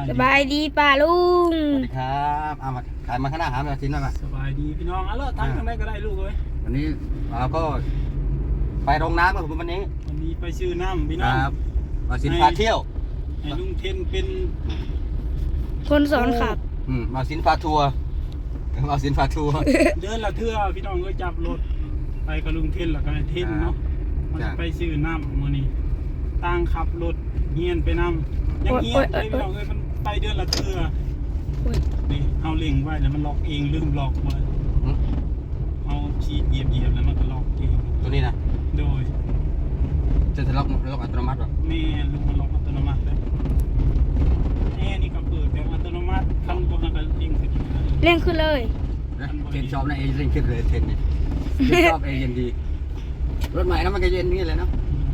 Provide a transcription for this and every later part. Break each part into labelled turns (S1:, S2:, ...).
S1: สบายดีป่าลุง
S2: สวัสดีครับเอามาขายมาข้างหน้าหามาชิ้นหน่อยมา
S3: สบายดีพี่น้องเลาะทางทางใดก็ได้ลูกเลย
S2: วันนี้เราก็ไปโรงน้ำครับผมวันนี้
S3: ไปซื้อน้ำพี่น้อง
S2: ครับมาสินพาเที่ยว
S3: ให้ลุงเทนเป็น
S1: คนสอนขับ
S2: มาสินพาทัวร์มาสินพาทัวร์
S3: เดินละเทื่อพี่น้องก็จับรถไปกับลุงเทนแล้วก็เทนเนาะมันไปซื้อน้ำมื้อนี้ตั้งขับรถเฮียนไปน้ำยังเฮียนเลยพี่น้องมันไปเดินละเทื่อนี่เอาเล็งไว้แล้วมันล็อกเองลืมล็อกไว้เอาชีดเหยียบแล้วมันก็ล็อกเอง
S2: ตัวนี้นะ
S3: โดย
S2: จะล็อกอัตโนมัติหรอ
S3: แม่ลูกมันล็อกอัตโนมัติเลยแอร์นี่ก็เปิดแบบอัตโนมัติคันบนก็เร่งขึ้น
S1: เร่งขึ้นเลย
S2: เทนชอบนะเอเร่งขึ้นเลยเทนเนี่ยชอบเอเย็นดีรถใหม่นะมันก็เย็นนี่เลยเนาะ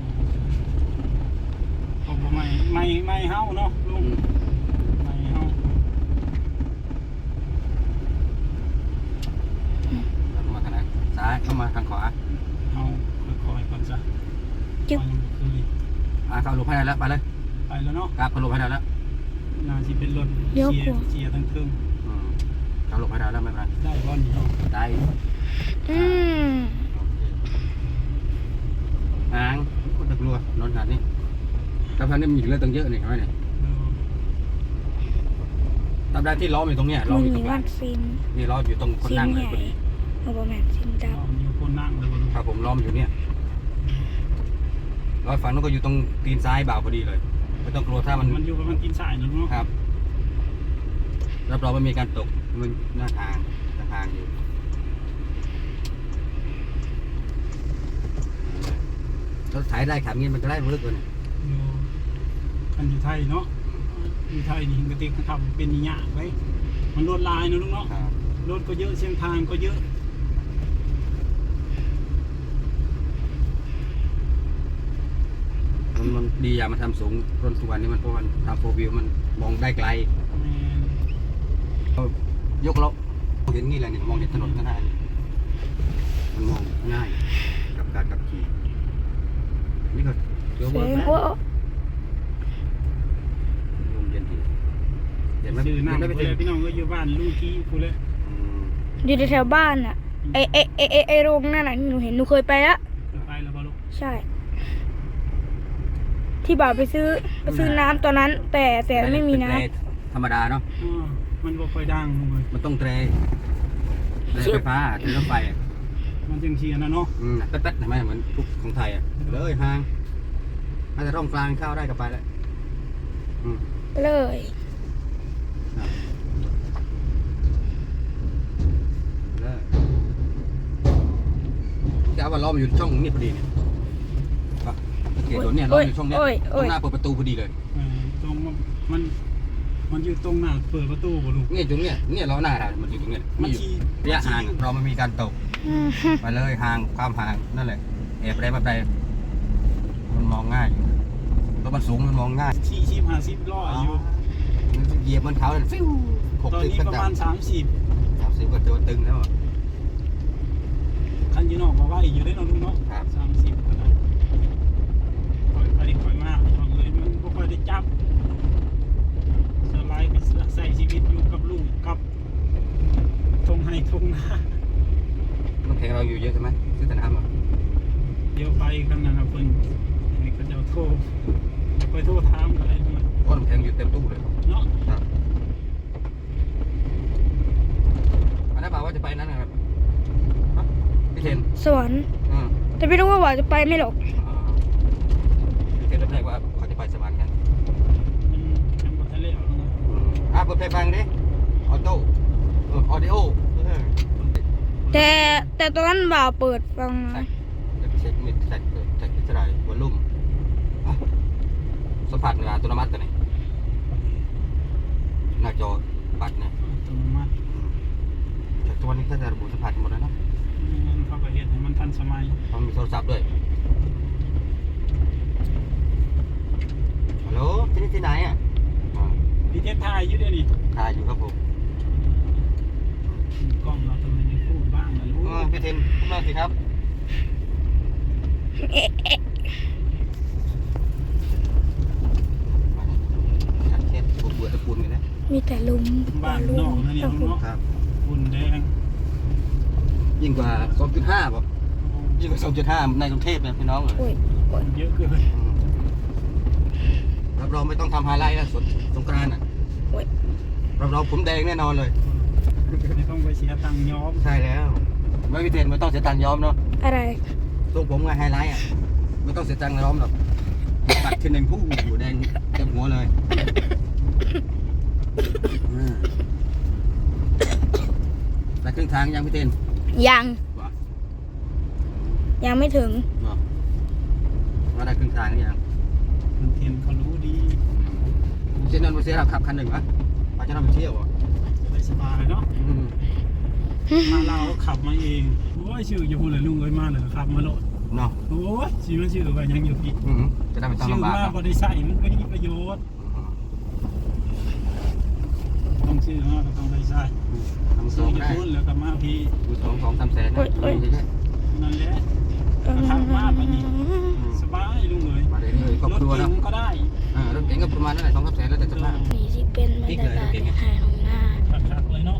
S3: ไม่เฮาเนาะลุงไม่เฮา
S2: มาทางไหนซ้ายเข้ามาทางขวา
S3: เอาค่อยๆก่อนจ้ะ
S1: จิ๊บ
S2: เข้าหลบให้ได้แล้วไปเลย
S3: ไปแล้วเนาะ
S2: ครับเข้าหลบให้ได้แล้ว
S3: น่าจะเป็นรถเชียร์ทั้งเครื่อง
S2: เข้าหลบให้ได้แล้วไม่เป็นไร
S3: ได้บอลเนาะ
S2: ได้หางคนตะกลัวนอนหาดนี่กระเพาะนี่มีเลือดตั้งเยอะนี่เห็นไหมเนี่ยตามได้ที่ล้ออยู่ตรงเนี้ยล้ออยู่ตรงกลางนี่ล้ออยู่ตรงคนนั่งเลยพอดี
S1: โอ้โหแม่ซิมดำ
S3: อยู่คนนั่งเลย
S2: ครับผมล้อมอยู่เนี่ยล้อฝั่งนู้นก็อยู่ตรงตีนซ้ายบ่าวพอดีเลยไม่ต้องกลัวถ้ามัน
S3: อยู่ประมาณตีนซ้ายนะลูก
S2: ครับรับรองไม่มีการตกมันหน้าทางอยู่รถถ่ายได้ขับงี้มันจะได้รู้ลึกกว่านี่
S3: คันอยู่ไทยเนาะอยู่ไทยนี่กระติกขับเป็นนิยะไว้มันรถลายนะลุงเนาะรถก็เยอะเส้นทางก็เยอะ
S2: มันดีอย่างมันทำสูงรถทุกวันนี้มันเพราะมันทำโฟวิวมันมองได้ไกลยกล้อเห็นนี่แหละนี่มองเห็นถนนก็ได้มันมองง่ายกับการขับขี่นี่ก็เดี๋ยวว่า
S3: ซื้อน้ำไปเลยพี่น้องก็อยู่บ้านลุงกี้กูเลย
S1: อยู่แถวบ้านอ่ะไอโรงนั่นน่ะหนูเห็นหนูเคยไปแล้ว
S3: ไปแล้วป่ะลูก
S1: ใช่ที่บ่าวไปซื้อน้ำตอนนั้นแต่ไม่มีน้
S2: ำธรรมดาเนาะ
S3: มันบ่ค่อยดังเลย
S2: มันต้องเตรไฟฟ้าเตรรถไฟ
S3: มันจังเชียร์นะเนาะ
S2: แป๊ดๆเห็นไหมเหมือนทุกของไทยอ่ะเลยห่างอาจจะร่องกลางเข้าได้กับไปแล้ว
S1: เลย
S2: จะเอาว่าล้อมอยู่ช่องนี้พอดีเนี่ยเขียนรถเนี่ยล้ออยู่ช่องนี้ตรงหน้าเปิดประตูพอดีเลย
S3: ตรงมันอยู่ตรงหน้าเปิดประตูบ่ลูก
S2: เนี่ยตรงเนี้ยล้อหน้าเรามันอยู่ตรงเนี้ยมันอยู่ระยะห่างเราไม่มีการตกไปเลยห่างความห่างนั่นแหละแอบได้แบบใดมันมองง่ายรถมันสูงมันมองง่าย
S3: 40-50ล้ออยู่
S2: เหยียบมันเขาเลยฟิว
S3: ตอนนี้ประมาณ30
S2: ก็ตัวตึงแล้ว
S3: คันยีนอกมาว่าอยู่ได้นอนลุงเนาะ30ก็ได้ปล่อยมากเลยมันก็ค่อยได้จับสไลด์ก็ใส่ชีวิตอยู่กับลูกกับทงให้ทงนา
S2: น้ำแข็งเราอยู่เยอะใช่ไหมซื้อแต่น้ำ
S3: เดี๋ยวไปกันนะครับเพื่อนก็จะโทรไปโทรถามอะไรด้วย
S2: ก็น้ำแข็งอยู่เต็มตู้เลย
S3: เนาะ
S2: อันนั้นบอกว่าจะไปนั่นนะครับพี่เทน
S1: สวนแต่ไม่รู้ว่าจะไปไม่หรอก
S2: พี่เทนรับได้ว่าเขาจะไปสวรรค์กัน
S3: เป็นบททะเลเหร
S2: อเปิดเพลงฟังดิออดิโอ
S1: แต่ตอนนั้นบ่าวเปิดฟัง
S2: เช็คมิดเช็คเท่าไหร่วอลลุ่มสัมผัสเวลาอัตโนมัติตัวไหนหน้าจอบัตรเนี่ย
S3: อัตโนมัติ
S2: แต่ตัวนี้ถ้าจะระบุสัมผัสหมดแล้วนะ
S3: เขาก็เห็นมันทันสมัย
S2: เขามีโทรศัพท์ด้วยฮัลโหลที่ไหนอ่ะ
S3: พี่เทพถ่ายอยู่ด้วยนี่
S2: ถ่ายอยู่ครับผม
S3: กล้องเราทำไมไม่พูดบ้างล่ะลูก
S2: พี่เทมพูดมาสิครับชัดเจนปวดตะปูนกัน
S1: มีแต่ลุม
S3: บ้านนอกนั่นเองเนาะ
S2: ครับ
S3: ฝุ่นแดง
S2: ยิ่งกว่า 2.5บอกยิ่งกว่า 2.5 ในกรุงเทพเนี่ยพี่น้องเลย
S1: โอ้ยโอ้ย
S3: เยอะเกิน
S2: รับรองไม่ต้องทำไฮไลท์แล้วสงกรานต์อ่ะ
S1: โอ้ย
S2: รับรองผมแดงแน่นอนเลย
S3: ไม่ต้องไปเสียตังค์ย้อม
S2: ใช่แล้วไม่พิเศษไม่ต้องเสียตังค์ย้อมเนาะ
S1: อะไร
S2: ทรงผมไงไฮไลท์อ่ะไม่ต้องเสียตังค์ย้อมหรอกตัดทีหนึ่งผู้อยู่แดงเต็มหัวเลยแต่ครึ่งทางยังพี่เต้น
S1: ยัง
S2: ว่ะ
S1: ยังไม่ถึง
S2: ว่าได้ครึ่งทางหรือยัง
S3: คนเทียนเขารู้ดี
S2: เส้นนั้นมาเสียเราขับคันหนึ่งวะไปจะนำไปเที่ยวอ่ะ
S3: จะได้สบายเนาะมาเราขับมาเองโอ้ยชื่ออยู่เลยลุงเอ้ยมาเลยขับมาโลด
S2: เนาะ
S3: โอ้ยชื่อมันชื่อว่ายังอยู่พี่
S2: จะได้ไม่ต้อง
S3: ชื่อ
S2: ลำบาก
S3: มา
S2: ครับ
S3: บริษัทมันไม่มีประโยชน์ต้องชื่อมาก็ต้องบริษัท
S2: ทำ
S3: ชื่
S2: ส่
S3: อง อยู่
S2: ได้
S3: พุ่นแล้วก็มาพี่
S2: ดู2-3 แสนนะ
S3: นั่นแหละขับมาไปนี่สบายลุงเอ้ย
S2: มาเรื่อยๆครอบ
S3: รถ
S2: ครัว
S3: เก๋
S2: เนาะ
S3: งก็ได้
S2: รถเก๋งก็ประมาณนั้นแหละ2-3 แสนแล้วแต่สภาพ
S1: นี่ที่เป็นบรรยากาศในหาดของหน้า
S3: ขับเลยเนาะ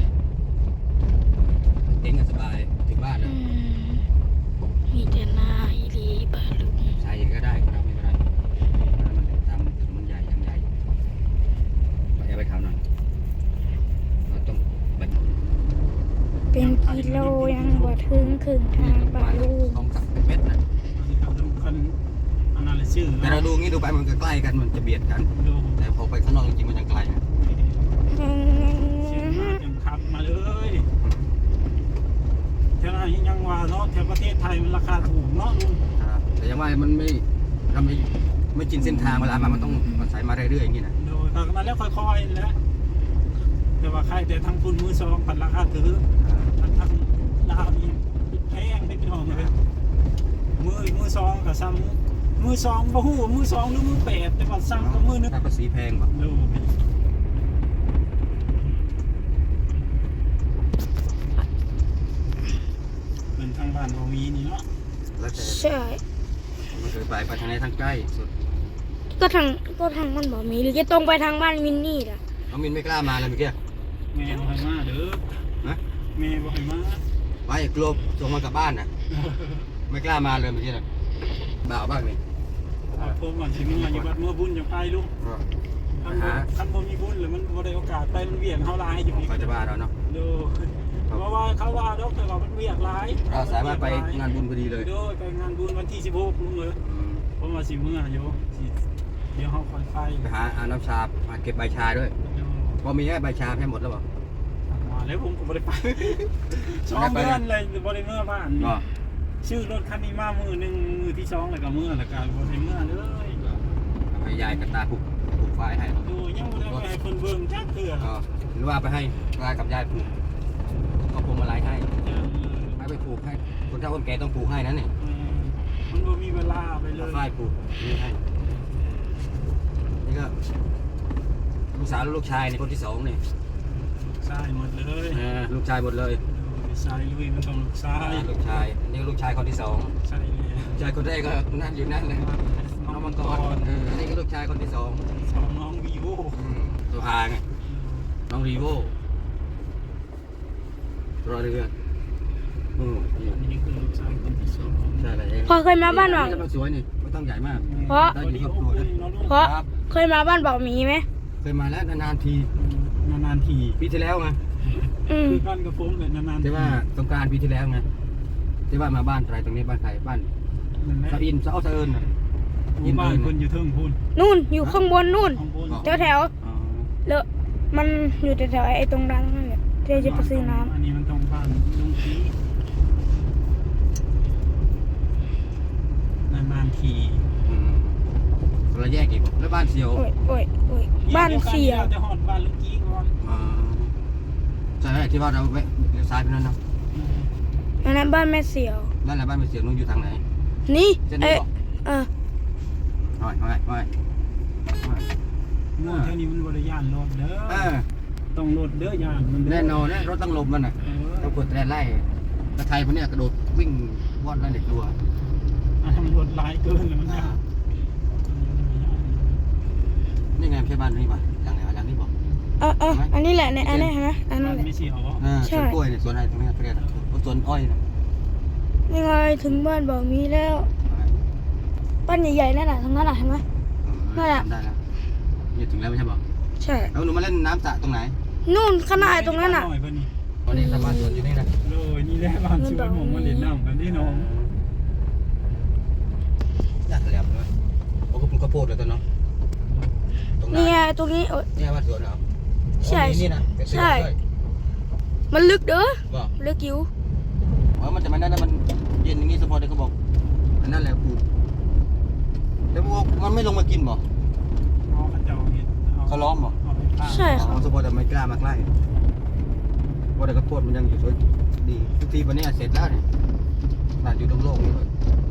S2: เก๋งก็สบายถึงบ้านแล้ว
S1: มีแต่หน้าอีรีบาลุง
S2: ใช่ก็ได้เราไม่เป็นไรมันทำถึงมันใหญ่ยังใหญ่เราจะไปเขาหน่อยเราต้องแบบ
S1: เป็นกิโลยังบ่ถึงครึ่งทางบาลุง
S2: 2-3 เมตรนะ
S3: ขับดูคันอันนั้นเลยชื่อ
S2: แต่เราดูงี้ดูไปมันก็ใกล้กันมันจะเบียดกัน
S3: ดู
S2: แต่พอไปข้างนอกจริงๆมันยังไกลนะ
S3: ชื่อมายังขับมาเลยแถวนั้นยังว่าเนาะแถวประเทศไทยมันราคาถูกเนาะลุง
S2: แต่ยังว่ามันเราไม่ชินเส้นทางเวลามันต้องอาศัยมาเรื่อยๆอย่างนี้นะ
S3: โดยทางนั้นแล้วค่อยๆแล้วแต่ว่าใครแต่ทางคุณมือสองพันราคาถือทางลาวนี่แพงได้พี่น้องเลยมือสองกับซ้ำมือสองบ่ฮู้มือสองหรือมือแปดแต่ว่าซ้ำกับมือนึง
S2: ค่าภาษีแพงป่ะ
S3: ดูเป็นทางบ้านบ่มีนี่เนาะ
S2: แล้วแต่
S1: ใช่
S2: มันเคยไปทางไหนทางใกล้สุด
S1: ก็ทางมันบ่มีหรือจะตรงไปทางบ้านมินนี่ล่ะ
S2: น้องมินไม่กล้ามาเลยเมื่อกี้
S3: แม่บ่ให้มาเด้อ
S2: นะ
S3: แม่บ่ให้มา
S2: ไปกลัวส่งมากลับบ้านนะไม่กล้ามาเลยเมื่อกี้นะบ่าวบ้างนี่
S3: เอาผมว่าสิมีอยู่บัดเมื่อบุญจะไปลูกคันบ่มีบุญแล้วมันบ่ได้โอกาสไปมันเวียนเฮาหลายอยู่นี่
S2: เขาจะบ้าเราเนาะ
S3: ดูเพราะว่าเขาว่าดอกแต่ว่ามันเวียนหลาย
S2: เราสามารถไปงานบุญพอดีเลย
S3: โดยไปงานบุญวันที่16ลุงเอ้ยผมว่าสิมื้ออยู่สิเดี๋ยวเฮาค่อยไป
S2: ไปหาอาน้ำชาเก็บใบชาด้วยพอมีใบชาให้หมดแล้วป่ะ
S3: มาแล้วผมก็บ่ได้ไป2 เดือนเลยบ่ได้เมื่อบ้าน
S2: ก็
S3: ชื่อรถคันนี้มามือหนึ่งมือที่2แล้วก็มือแล้วก็บ่ได้เมื่อเลย
S2: ให้ยายกับตาผูกไฟให้
S3: ดูยังบ่ได้ไปให้เพิ่นเบิ่งจักเทื่อ
S2: ก็หรือว่าไปให้ตากับยายผูกก็พวงมาลัยให้ไปผูกให้คนเฒ่าคนแก่ต้องผูกให้นั่นนี่
S3: มันบ่มีเวลาไปเลย
S2: ฝ้ายผูกนี่ให้นี่ก็ลูกสาวลูกชายในคนที่2นี่
S3: ใช่หมดเลย
S2: ลูกชายหมดเลย
S3: ชายลุยมันต้องลูกชาย
S2: ลูกชายนี่ก็ลูกชายคนที่2
S3: ใช่เลย
S2: ลูกชายคนแรกก็นั่นอยู่นั่นเลยน้องมังกรนี่ก็ลูกชายคนที่2
S3: สองน้องวีโว
S2: ตัวอาไงน้องรีโวรอเรือนี่
S3: อันนี้คือลูกชายคนที่2
S2: ใช่เลย
S1: พอเคยมาบ้านบ่าว
S2: มันสวยนี่ไม่ต้องใหญ่มาก
S1: เพราะ
S2: ได้อยู่ครอบครัวนะ
S1: เพราะเคยมาบ้านบ่าวมีไหม
S2: เคยมาแล้วนานๆที
S3: นานๆที
S2: ปีที่แล้วไง
S3: คือบ้านกระโปรงเลยนานๆ
S2: ที่ว่าสงกรานต์ปีที่แล้วไงที่ว่ามาบ้านใครตรงนี้บ้านใครบ้าน
S3: นั่นแหละ
S2: สะอินสะเอาสะเอิญน่ะ
S3: บ้านคนอยู่เทิงพุ่น
S1: นู่นอยู่ข้างบนนู่น
S3: ข้างบน
S1: แถว
S2: อ๋อ
S1: เลอะมันอยู่แถวๆไอ้ตรงร้านนั่นแหละที่จะไปซื้อน้
S3: อันนี้มันต้องบ้านลุงทีนานๆที
S2: เราแยกอีกแล้วบ้านเสียว
S1: ำโอ้ยโอ้ยโอ้ยบ้านเสียว
S3: จะหอดบ้านลุงกี้ก่อน
S2: ใช่ที่ว่าเราเลี้ยวซ้ายไปนั่นเนาะ
S1: อันนั้นบ้านแม่เสียว
S2: นั่นแหละบ้านเสียวนู้นอยู่ทางไหน
S1: นี่
S2: เส้นนี้บอก
S1: เออ
S2: ห้อย
S3: เมื่อเท่านี้มันบริยานรถเด้อต้องรถเด้อยานมัน
S2: แน่นอนนะรถต้องหลบมันน่ะต้องกดแตรไล่กระไทยพวกเนี้ยกระโดดวิ่งว่อนไล่เด็กตัว
S3: ทำรถหลายเกินเลยมันยาก
S2: นี่ไงไม่ใช่บ้านนี่ป่ะหลังไหนหลังนี้บอก
S1: ออันนี้แหละเนี่ยอันนี้นะอันนั้นแหละ
S3: ไม่เสียวเหรอ
S1: ใช่
S2: สวนกล้วยเนี่ยสวนอะไรตรงนี้เขาเรียกสวนอ้อยนะ
S1: ยังไงถึงบ้านบอกมีแล้วบ้านใหญ่ๆนั่นน่ะทางนั้นน่ะเห็นไหม นั่นแหละ
S2: จำได้แล้วนี่ถึงแล้วไม่ใช่บอก
S1: ใช่
S2: แล้วหนูมาเล่นน้ำสระตรงไหน
S1: นู่นขางหนาดตรงนั้นน่ะ
S3: หน่อยเพิ่นนี่
S2: ตอนนี้สามารถสวนอยู่นี่นะ
S3: เลยนี่แหละบ้านสวนผมมาเล่นน้ำกันที่น้อง
S2: อยากแหลมเลยโอ้ก็ปลูกข้าวโพดเลยตอนเนาะตรงไหน
S1: นี่ไงตรงนี้โอ๊ย
S2: เนี่ยบ้านสวนเหรอ
S1: ใช่
S2: อ๋อนี่นะเป็นเสื้อ
S1: ใช่
S2: ด้วย
S1: มันลึกเด้อ
S2: บอก
S1: ลึกอยู่
S2: มันจะมาได้แล้วมันเย็นอย่างนี้สปอร์ตเขาบอกอันนั่นแหละปลูกแล้วพวกมันไม่ลงมากินบ่
S3: เอาข้าเจ้าเห็ด
S2: เขาล้อมบ่
S3: เอาไปฆ่า
S1: ใช่
S2: อ๋
S1: ค่ะ
S2: อสปอร์ตไม่กล้ามาใกล้เพราะแต่ข้าวโพดมันยังอยู่สวยดีทุกทีวันนี้เสร็จแล้วเนี่ยน่าอยู่ตรงโลกนี้เลย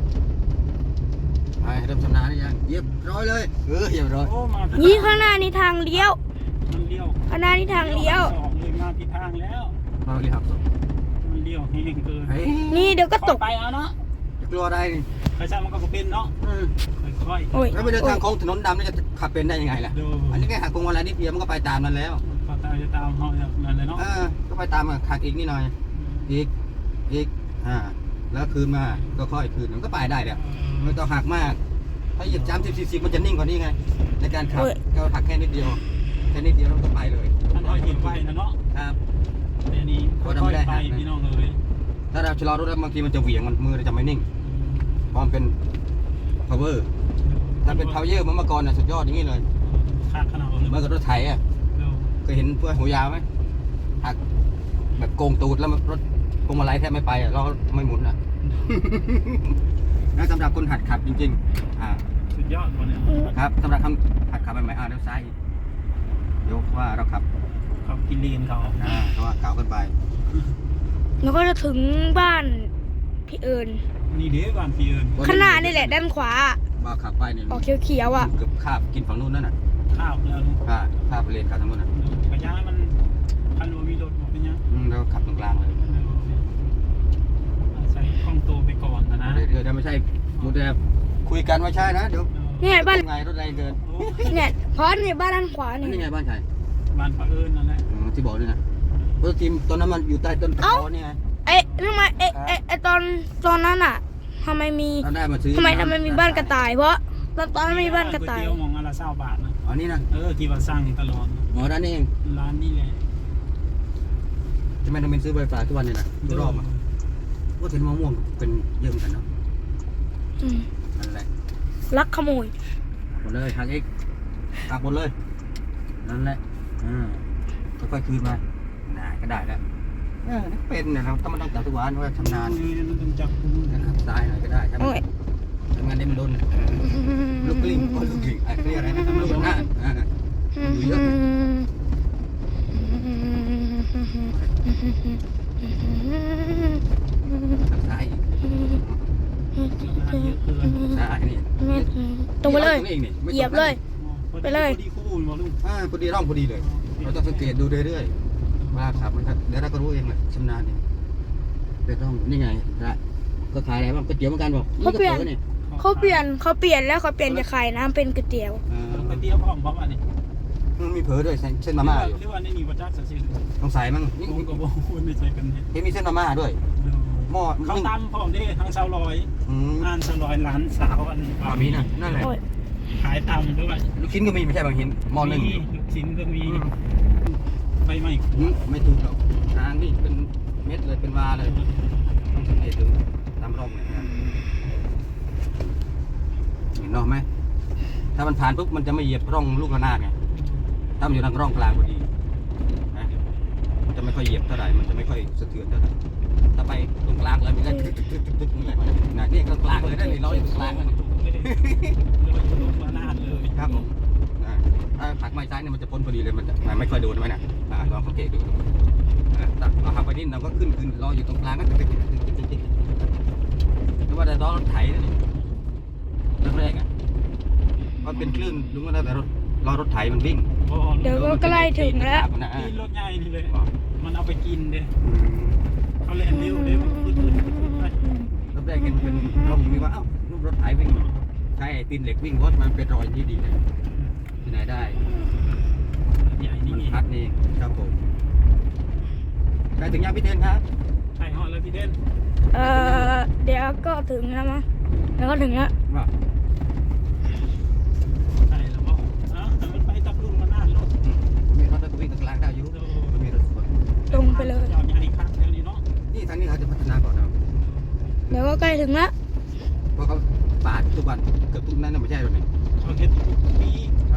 S2: ไปเริ่มชำนาญหรือยังเรียบร้อยเลยเรียบร้อย
S3: โอ้มาผิด
S1: นี่ข้างหน้านี่ทางเลี้ยว
S3: มันเลี้ยว
S1: ข้างหน้านี่ทางเลี้ยว
S3: สองเลยมาผิดทางแล้ว
S2: เราเรียบร้อย
S3: มันเลี้ยวแห้งเกิน
S2: เฮ้ย
S1: นี่เดี๋ยวก็ตก
S3: ไปเอาเนาะ
S2: จะกลัวอะไรนี่
S3: ใครช่างมันก็เป็นเนาะค่อย
S1: โอ้ย
S2: แล้วไปเดินทางโค้งถนนดำนี่จะขับเป็นได้ยังไงล่ะ
S3: ๆดู
S2: อันนี้แค่หักโค้งอะไรนิดเดียวมันก็ไปตามนั้นแล้ว
S3: พอตามจะตามเขาอย่างนั้นเลยเนาะ
S2: ก็ไปตามหักอีกนิดหน่อยอีกแล้วคืนมาก็ค่อยคืนมันก็ไปได้แล้วไม่ต้องหักมากถ้าเหยียบจ้ำ40มันจะนิ่งกว่านี้ไงในการขับก็หักแค่นิดเดียวแล้วก็ไปเลย
S3: ท่านน้อยเห็นไฟนะเนาะ
S2: ครับ
S3: แต่นี้ค่อยๆไปพี่น้องเลย
S2: ถ้าเราชะลอรถแล้วบางทีมันจะเหวี่ยงมันมือเราจะไม่นิ่งเพราะมันเป็น power ถ้าเป็น power เมื่อก่อนน่ะสุดยอดอย่างนี้เลย
S3: ขาดขนาดเลย
S2: เมื่อกับรถไถอ่ะเคยเห็นเพื่อนหัวยาวไหมหักแบบโกงตูดแล้วรถพวงมาลัยแทบไม่ไปอ่ะเราไม่หมุนอ่ะ นั่นสำหรับคนหัดขับจริงๆ
S3: สุดยอดคนเนี้ย
S2: ครับสำหรับคำหัดขับใหม่ๆเลี้ยวซ้ายยกว่าเราขับ
S3: เขากินเลนเขา
S2: เพราะว่าเก่าเกินไป
S1: แล้วก็จะถึงบ้านพี่เอิญ
S3: นี่เด้บ้านพี่เอิญ
S1: ข้างหน้านี่แหละด้านขวา
S2: ว่าขับไปเนี่ย
S1: ออกเขียวๆอ่ะ
S2: เกือบคาบกินฝั่งนู้นนั่นน่ะ
S3: ข้าวแล้ว
S2: คาบไปเลนขับทางนู้นน่ะ
S3: กระยามันคันว่ามีรถบอกเป็นยัง
S2: เราขับตรงกลางเลย
S3: ใส่ข้องโตไปก่อนนะ
S2: เดี๋ยวไม่ใช่มูแต่คุยกันไม่ใช่นะเดี๋ยว
S1: นี่ไงบ้าน
S2: ไงรถแรงเกิน
S1: เนี่ยเพราะเนี่ยบ้านด้านขวา
S2: นี่
S1: นี่
S2: ไงบ้านใคร
S3: บ้านป้าเอิญนั่นแหละ
S2: ที่บอกด้วยนะเพราะทีมตอนนั้นมันอยู่ใต้ต้นตะขอนี่ไง
S1: ทำไมตอนนั้นอ่ะทำไมมี
S2: เราได้มาซื้อ
S1: ทำไมมีบ้านกระต่าย เพราะตอนนั้นมีบ้านกระต่าย
S3: ก๋วยเตี๋ยวมองอะไร20 บาทนะ
S2: อ๋อนี่นะ
S3: ที่ว่าสั่งตลอด
S2: หมอด้านนี้เอง
S3: ร้านนี่แหละ
S2: ทำไมต้องเป็นซื้อใบฝาทุกวันเนี่ยนะทุกรอบอ่ะว่าเห็นมะม่วงเป็นเยอะเหมือนกันเนาะ
S1: อืม
S2: นั่นแหละ
S1: ลักขโมย
S2: หมดเลยทางเอกหักหมดเลยนั่นแหละค่อยๆคืนมาก็ได้แล้วเป็นเนี่ยเราต้องจับทุกวันว่าชำนาญ
S3: มันต้องจับคุณ
S2: นะครับซ้ายหน่อยก็ได้ถ้า
S1: โอ้ย
S2: ทำงานได้มันโดนลูกกลิ้งลูกกลิ้งเรียกอะไรนะลูกหน้าอยู่เยอะซ้าย
S3: เยอะเกิน
S2: ซ้ายนี่
S1: ตรงไปเลย
S2: นี่
S1: เหยียบเลย ไปเลย
S3: พอดีคู่บอกลุง
S2: พอดีร่องพอดีเลย เราต้องสังเกตดูเรื่อยๆว่าขับมันครับเดี๋ยวเราก็รู้เองแหละชำนาญเองเดี๋ยวต้องนี่ไงก็ขายอะไรบ้างก๋วยเตี๋ยวเหมือนกันบอกนี่ก็เปิดเนี่ย
S1: เขาเปลี่ยนแล้วเขาเปลี่ยนจากขายน้ำเป็นก๋วยเตี๋ยว
S3: ไปเตี้ยวพร้อมบ๊อบอันนี้
S2: มันมีเผลอด้วยเส้นมาม่าอยู่
S3: หรือว่าในนี่วัดจักรสิ
S2: ต้องใส่มั้งนี่
S3: ผมก็บอกว่าไม่ใช่กันเนี่ย
S2: เห็นมีเส้นมาม่าด้วยหม้อ
S3: เขาตำพร้อมได้ทั้งชาวลอย
S2: อืม
S3: อ่านชาวลอยร้านสาวอัน
S2: มีนะนั่นแหละ
S1: โอ้ย
S3: ขายตำด้วย
S2: ลูกชิ้นก็มีไม่ใช่บางหินหม้อหนึ่ง
S3: ลูกชิ้นก็มีไฟไหม้ขวด
S2: ไม่ถูกหรอกทางนี่เป็นเม็ดเลยเป็นวาเลยต้องสังเกตดูตามร่องเนี่ยนะเห็นร่องไหมถ้ามันผ่านปุ๊บมันจะไม่เหยียบร่องลูกระนาดไงถ้ามันอยู่ทางร่องกลางพอดีนะมันจะไม่ค่อยเหยียบเท่าไหร่มันจะไม่ค่อยสะเทือนเท่าไหร่ถ้าไปตรงกลางเลยมันก็ตึกนี่แหละนะนี่กลางเลยได้เลยเราอยู่ตรงกลางเลย
S3: ไม่ได้ลูกระนาดเลย
S2: ครับผมถ้าผักไม้ซ้ายเนี่ยมันจะพ้นพอดีเลยมันจะไม่ค่อยโดนไหมนะลองสังเกตดูตักเราหักไปนิดเราก็ขึ้นรออยู่ตรงกลางก็ตึกหรือว่าแต่ล้อรถไถนี่แรกอ่ะมันเป็นคลื่นลุงก็ได้แต่ล้อรถไถมันวิ่ง
S1: เดี๋ยวก็ใกล้ถึงแล้ว
S3: นี่รถใหญ่นี่เลยมันเอาไปกินเด้เขาเล่นเร็วเด้ขึ้นไป
S2: รถแรกเห็นเป็นร่องมีว่าเอ้าลูกรถไถวิ่งใช่ตีนเหล็กวิ่งรถมันเป็นรอยนี่ดีเลยที่ไหนได้
S3: ใหญ่นี่
S2: มัน
S3: เอง
S2: พัดนี่ครับผมใกล้ถึงยังพี่เทนครับ
S3: ใช่ฮอดแล้วพี่เด่น
S1: เดี๋ยวก็ถึงแล้วมั้งเดี๋ยวก็ถึงแล้ว
S2: ว่า
S3: ใช่แล้วบอกแต่มันไปตับลุงมานานแล้ว
S2: ผมมีรถตะวิ่งตะกลางได้อยู่ผมมีรถสวน
S1: ตรงไปเลย
S3: จอดใหญ่ครับเดี๋ยวนี้เนาะ
S2: นี่ทางนี้เขาจะพัฒนาก่อนนะ
S1: เดี๋ยวก็ใกล้ถึงแล้ว
S2: เพราะเขาปาดทุกวันเกือบทุกนั้นน่ะไม่ใช่หรอกนี่
S3: เขาเฮ็ดทุกปี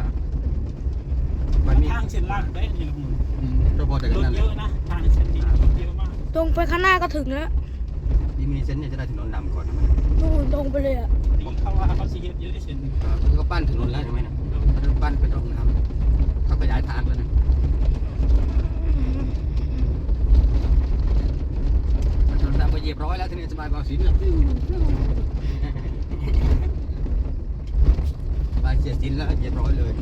S2: วันนี้
S3: ทางเส้นลากได้นี่ลุง
S2: เราพอแต่กัน
S3: รถ
S2: นั่น
S3: เยอะนะทางเส้นนี้รถเยอะมาก
S1: ตรงไปข้างหน้าก็ถึงแล้ว
S2: ดีมีเส้นเนี่ยจะได้ถนนดำก่อนนะ
S1: นู่นตรงไปเลยอ่ะ
S3: ดีเขาว่าเขาสิเฮ็ดเยอะได้เส้นนี้
S2: เขาปั้นถนนแล้วใช่ไหมนะเขาปั้นเป็นร่องน้ำเขาขยายทางแล้วนะถนนดำก็เหยียบร้อยแล้วทีนี้สบายเบาสินแล้วสบายเสียสินแล้วเหยียบร้อยเลย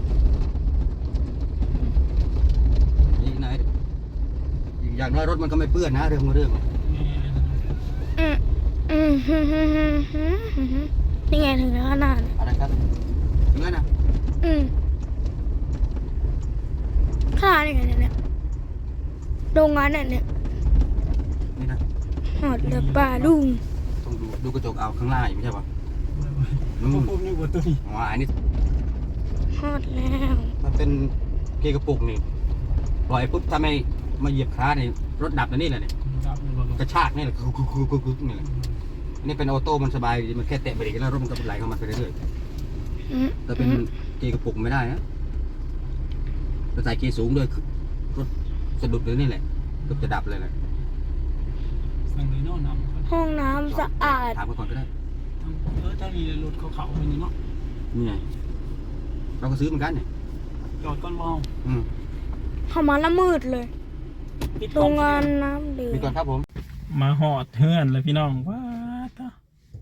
S2: นี่นายอย่างน้อยรถมันก็ไม่เปื้อนนะเรื่อง
S1: อืมนี่ไงถึงแล้วขนาด
S2: อะไรครับถึงแล้วนะ
S1: ขนาดนี่ไงเนี่ยโรงงานเนี่ย
S2: นี่นะ
S1: หอดเรือป่าลุง
S2: ต้องดูกระจกเอาข้างล่างไม่ใช่ปะ
S3: ผมนึกว่าตัวนี้
S2: อ๋ออันนี้
S1: หอดแล้ว
S2: มันเป็นเกียร์กระปุกนี่ปล่อยปุ๊บถ้าไม่มาเหยียบคลาสนี่รถดับแล้วนี่แหละเนี่ย
S3: ครับลุง
S2: กระชากนี่แหละคือนี่แหละอันนี้เป็นออโต้มันสบายมันแค่แตะเบรกแล้วรถมันก็ไหลเข้ามาไปเรื่อยๆแต่เป็นเกียร์กระปุกไม่ได้นะเราใส่เกียร์สูงด้วยรถสะดุดเลยนี่แหละเกือบจะดับเลยแหละ
S3: สั่งเลยเนาะน้ำ
S1: ห้องน้ำสะอาด
S2: ถามกันก่อนก็ได้
S3: ถ้ามีรถเขาไปนี่เนาะ
S2: นี่ไงเราก็ซื้อเหมือนกันเนี่ย
S3: จอดก่อนมอง
S1: เข้ามาละมืดเลย โรงงานน้ำเดือ
S2: มีก่อน
S1: ด
S2: ครับผม
S3: มาหอดเฮือนเลยพี่น้องว้าตา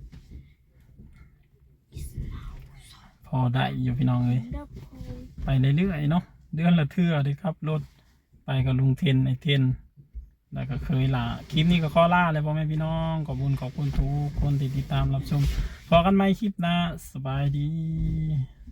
S3: พอได้อยู่พี่น้องเลยไปเรื่อยๆเนาะเดือนละเทื่อเลยครับรถไปกับลุงเทนไอเทนแล้วก็เคยลาคลิปนี้ก็ขอลาเลยพ่อแม่พี่น้องขอบคุณทุกคนที่ติดตามรับชมพอกันไหมคลิปหน้าสบายดี